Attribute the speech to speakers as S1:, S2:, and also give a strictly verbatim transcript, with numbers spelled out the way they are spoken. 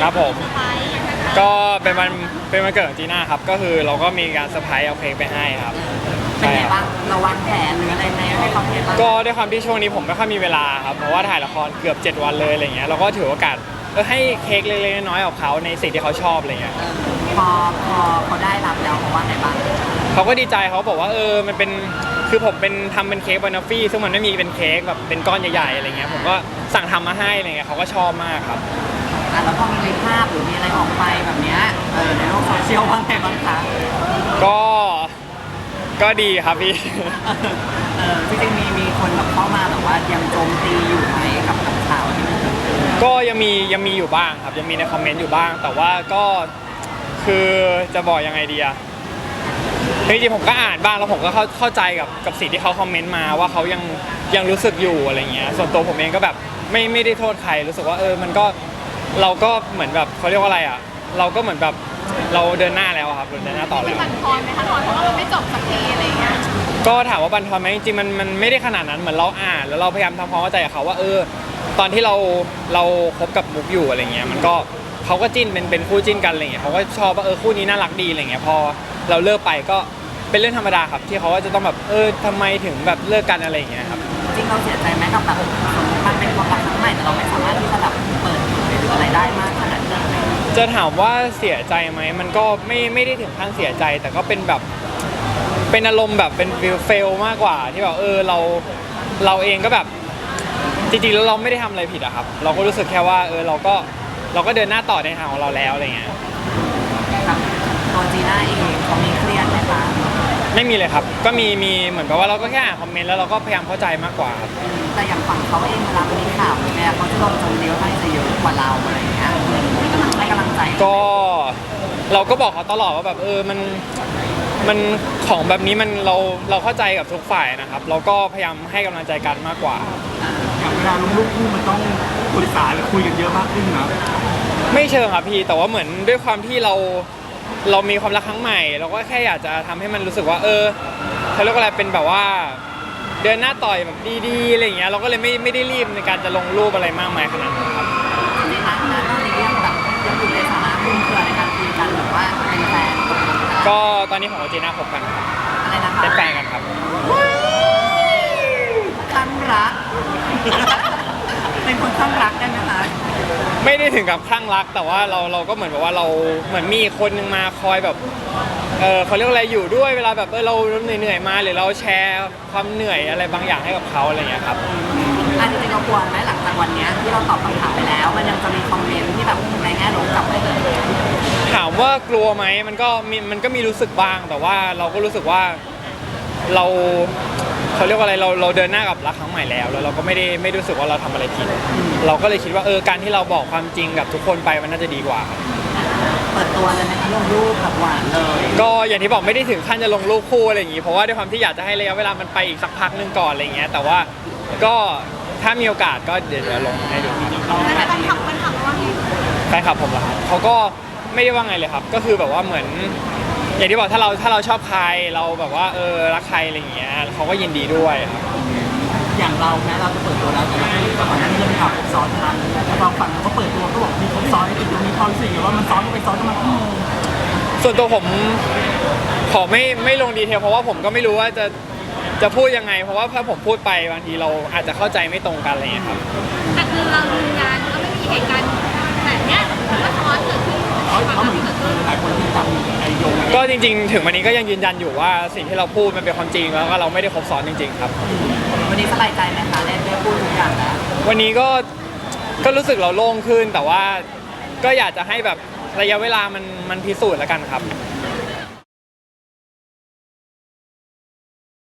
S1: ครับผมก็เป็นวันเป็นวันเกิดของจีน่าครับก็คือเราก็มีการเซอร์ไพรส์เอาเค้กไปให้ครับ
S2: เป็นไงบ้างเราวางแผนหรืออะไรไหมให้เขาเห็นบ้าง
S1: ก็ด้วยความที่ช่วงนี้ผมไม่ค่อยมีเวลาครับเพราะว่าถ่ายละครเกือบเจ็ดวันเลยอะไรเงี้ยเราก็ถือโอกาสเออให้เค้กเล็กๆน้อยๆของเขาในสิ่งที่เขาชอบอะไรเงี้ย
S2: พอพอเขาได้รับแล้วเขาว่าไงบ้าง
S1: เขาก็ดีใจเขาบอกว่าเออมันเป็นคือผมเป็นทำเป็นเค้กบานอฟฟี่ซึ่งมันไม่มีเป็นเค้กแบบเป็นก้อนใหญ่ๆอะไรเงี้ยผมก็สั่งทำมาให้อะไรเงี้ยเขาก็ชอบมากครับ
S2: อ่ะแล้วพอมีภาพหรือมีอะไรออกไปแบบเนี้ยเออในโลกโซเชียลว่าไงบ้างคะ
S1: ก็ก็ดีครับพี่
S2: เออจริงๆมีมีคนแบบเข้ามาแบบว่ายังโจมตีอยู่ไหมกับกับข่าวที่มันเกิดขึ้น
S1: ก็ยังมียังมีอยู่บ้างครับยังมีในคอมเมนต์อยู่บ้างแต่ว่าก็คือจะบอกยังไงดีอะจริงๆผมก็อ่านบ้างแล้วผมก็เข้าเข้าใจกับกับสิ่งที่เขาคอมเมนต์มาว่าเขายังยังรู้สึกอยู่อะไรเงี้ยส่วนตัวผมเองก็แบบไม่ไม่ได้โทษใครรู้สึกว่าเออมันก็เราก็เหมือนแบบเขาเรียกว่าอะไรอ่ะเราก็เหมือนแบบเราเดินหน้าแล้วครับเดินหน้าต่อแล้ว
S3: บันทอนไหมคะทอนเพราะว่ามันไม่จบสักทีอะไรเงี้ย
S1: ก็ถามว่าบันทอนไหมจริงๆมันมันไม่ได้ขนาดนั้นเหมือนเราอ่านแล้วเราพยายามทำความเข้าใจกับเขาว่าเออตอนที่เราเราคบกับมุกอยู่อะไรเงี้ยมันก็เขาก็จิ้นเป็นเป็นคู่จิ้นกันอะไรเงี้ยเขาก็ชอบว่าเออคู่นี้น่ารักดีอะไรเงี้ยพอเราเลิกไปก็เป็นเรื่องธรรมดาครับที่เขาจะต้องแบบเออทำไมถึงแบบเลิกกันอะไรอย่างเงี้ยครับ
S2: จริงเราเสียใจไหมกับแบบมันเป็นความรักครั้งใหม่แต่เราไม่สามารถที่จะแบบเปิดเผยหรืออะไรได้มากขนาดนั้น
S1: จะถามว่าเสียใจไหมมันก็ไม่ไม่ได้ถึงขั้นเสียใจแต่ก็เป็นแบบเป็นอารมณ์แบบเป็นฟิลเฟลมากกว่าที่แบบเออเราเราเองก็แบบจริงๆแล้วเราไม่ได้ทำอะไรผิดอะครับเราก็รู้สึกแค่ว่าเออเราก็เราก็เดินหน้าต่อในทางของเราแล้วอะไรเงี้ย
S2: ตัวจีน่าเองเขามีเครียดไหมคะ
S1: ไม่มีเลยครับก็มีมีเหมือนกับว่าเราก็แค่อ่านคอมเมนต์แล้วเราก็พยายามเข้าใจมากกว่าครับ
S2: แต่อย่างฝั่งเขาเองเวลามีข่าวเนี่ยเขาจะโดนโจมตีค่อนข้างจะเยอะกว่าเราอะไรอย่างเงี้ยให้กำลังใจ
S1: ก็เราก็บอกเขาตลอดว่าแบบเออมันมันของแบบนี้มันเราเราเข้าใจกับทุกฝ่ายนะครับเราก็พยายามให้กำลังใจกันมากกว่า
S4: อย่างเวลาลงรูปคู่มันต้องปรึกษาหรือคุยกันเยอะมากขึ้นนะ
S1: ไม่เชิงครับพี่แต่ว่าเหมือนด้วยความที่เราเรามีความรักครั้งใหม่เราก็แค่อยากจะทำให้มันรู้สึกว่าเออเขาเรียกว่าอะไรเป็นแบบว่าเดินหน้าต่อยแบบดีๆอะไรอย่างเงี้ยเราก็เลยไม่ไม่ได้รีบในการจะลงรูปอะไรมากมายขนาดนั้นครับ
S2: ในฐานะตอนนี้ยังแบบยังอยู่ในฐานะคุ้นเคยในการคุยกันหรือว่าเป็นแฟน
S1: ก็ตอนนี้ผมกับจีน่าคบกันครับ
S2: อะไรนะคะ
S1: เป็นแฟนกันครับ
S2: คลั่งรักเป็นคนคลั่งรักได้ไหมคะ
S1: ไม่ได้ถึงกับคลั่งรักแต่ว่าเราเราก็เหมือนแบบว่าเราเหมือนมีคนนึงมาคอยแบบเออเขาเรียกอะไรอยู่ด้วยเวลาแบบเออเราเหนื่อยๆมาหรือเราแชร์ความเหนื่อยอะไรบางอย่างให้กับเขาอะไรอย่างเงี้ยครับ
S2: อันจริงๆเรากลัวไหมหลังจากวันนี้ที่เราตอบคำถามไปแล้วมันยังจะมีคอมเมนต์ที่แบบในแง่ลบกลับไปเลย
S1: ถามว่ากลัวไหมมันก็มีมันก็มีรู้สึกบ้างแต่ว่าเราก็รู้สึกว่าเราเขาเรียกว่าอะไรเราเราเดินหน้ากับรักครั้งใหม่แล้วแล้วเราก็ไม่ได้ไม่รู้สึกว่าเราทำอะไรผิดเราก็เลยคิดว่าเออการที่เราบอกความจริงกับทุกคนไปมันน่าจะดีกว่า
S2: เปิดตัวเลยไหมคะลงรูปแบบหวานเลย
S1: ก็อย่างที่บอกไม่ได้ถึงขั้นจะลงรูปคู่อะไรอย่างงี้เพราะว่าด้วยความที่อยากจะให้ระยะเวลามันไปอีกสักพักนึงก่อนอะไรเงี้ยแต่ว่าก็ถ้ามีโอกาสก็เดี๋ยวจะลงให้ดูครับ
S3: แล้วแฟนคลับแฟนคลับว่าไง
S1: แฟนคลับผมเหรอครับเขาก็ไม่ได้ว่าไงเลยครับก็คือแบบว่าเหมือนอย่างที่บอกถ้าเราถ้าเราชอบใครเราแบบว่าเออรักใครอะไรอย่างเงี้ยเขาก็ยินดีด้วยครับ
S2: อย่างเราแม้เราจะเปิดตัวแล้วแต่ก่อนหน้านี้เรามีข่าวครบซ้อนกันแต่บางฝั่งเขาเปิดตัวก็บอกมีครบซ้อนติดตรงนี้ความรู้สึกว่ามันซ้อนกันไปซ้อนกันมา
S1: ส่วนตัวผมขอไม่ไม่ลงดีเทลเพราะว่าผมก็ไม่รู้ว่าจะจะพูดยังไงเพราะว่าถ้าผมพูดไปบางทีเราอาจจะเข้าใจไม่ตรงกันอะไรอย่างเงี้ยครับ
S3: แต่คือเราดูงานก็ไม่มีเหตุการณ์แบบเนี้ยหรือว่าซ้อนเกิดขึ้น
S4: เขาเหมือนหลายคนที่จำไอโยง
S1: ก็จริงๆถึงวันนี้ก็ยังยืนยันอยู่ว่าสิ่งที่เราพูดมันเป็นความจริงแล้วก็เราไม่ได้ครบซ้อนจริงๆครับ
S2: วันนี้สบายใจไหมคะได้ได้พูดทุกอย่างแล้ว
S1: วันนี้ก็ก็รู้สึกเราโล่งขึ้นแต่ว่าก็อยากจะให้แบบระยะเวลามันมันพิสูจน์แล้วกันครับ